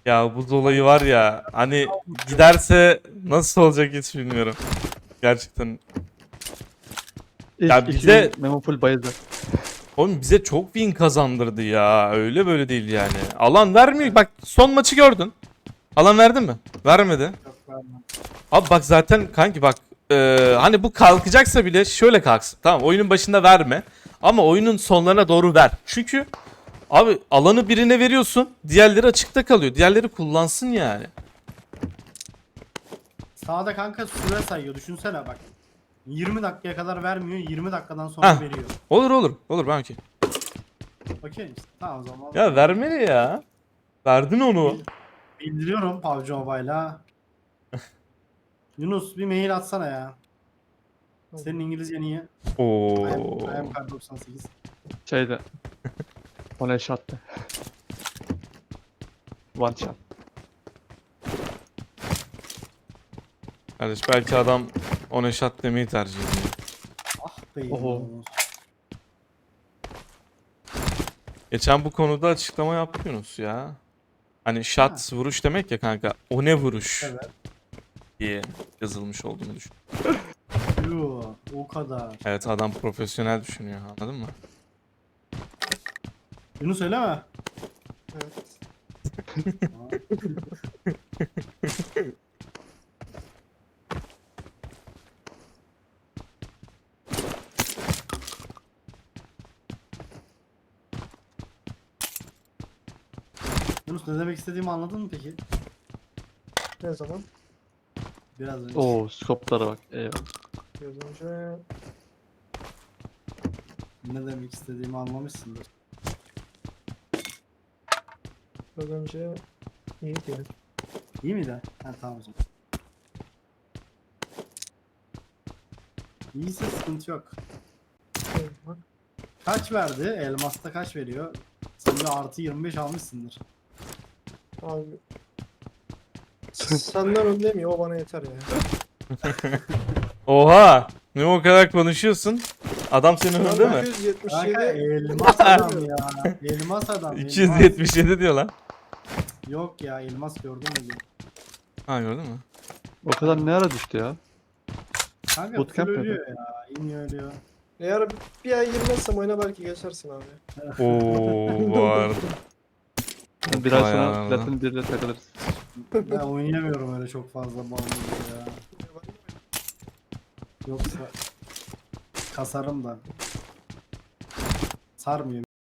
Ya buz olayı var ya hani giderse nasıl olacak hiç bilmiyorum. Gerçekten. Ya İlk 2 bize gün Memo full bayıldı. oğlum bize çok win kazandırdı ya. Öyle böyle değil yani. Alan vermiyor. Bak son maçı gördün. Alan verdi mi? Vermedi. Yok vermem. Abi bak zaten kanki bak hani bu kalkacaksa bile şöyle kalksın. Tamam oyunun başında verme. Ama oyunun sonlarına doğru ver. Çünkü abi alanı birine veriyorsun. Diğerleri açıkta kalıyor. Diğerleri kullansın yani. Sağda kanka süre sayıyor. Düşünsene bak. 20 dakikaya kadar vermiyor. 20 dakikadan sonra Heh. veriyor. Olur olur. Olur ben okey. Okey misin? Tamam o zaman. Ya vermeli ya. Verdin onu. Bildiriyorum PUBG Mobile'a. Yunus bir mail atsana ya. Senin İngilizcen iyi. Oo. I am Kar 98. Şeyde. One shot'tı. One shot. Kardeş belki adam ona shot demeyi tercih ediyor. Ah be Oho. Yunus. Geçen bu konuda açıklama yapıyorsunuz ya. Hani shot vuruş demek ya kanka. O ne vuruş Evet. diye yazılmış olduğunu düşün. Yoo, o kadar. Evet adam profesyonel düşünüyor anladın mı? Yunus öyle mi? Evet. Yunus ne demek istediğimi anladın mı peki? Ne zaman? Biraz önce. Oo scope'lara bak. Eyvah. Biraz önce Ne demek istediğimi anlamışsındır. biraz önce iyi değil. İyi miydi? Ha tamam o zaman. İyiyse sıkıntı yok. Bak. Kaç verdi? Elmas'ta kaç veriyor? Sen de artı 25 almışsındır. Abi. Senden öndeyim ya, o bana yeter ya. Oha! Ne o kadar konuşuyorsun? Adam senin önünde mi? 277. Kanka elmas adam ya. Elmas adam. Elmas. 277 diyor lan. Yok ya elmas gördün mü? Ha gördün mü? O kadar ne ara düştü ya? Kanka Bootcamp full mi ölüyor ya. İniyor ölüyor. Eğer bir ay girmezsem oyuna belki geçersin abi. Oo bu arada. Bir ay Vay sonra anam. Platin 1 ile takılırız. Ben oynayamıyorum öyle çok fazla bağımlı ya. Yoksa kasarım da. Sarmıyor.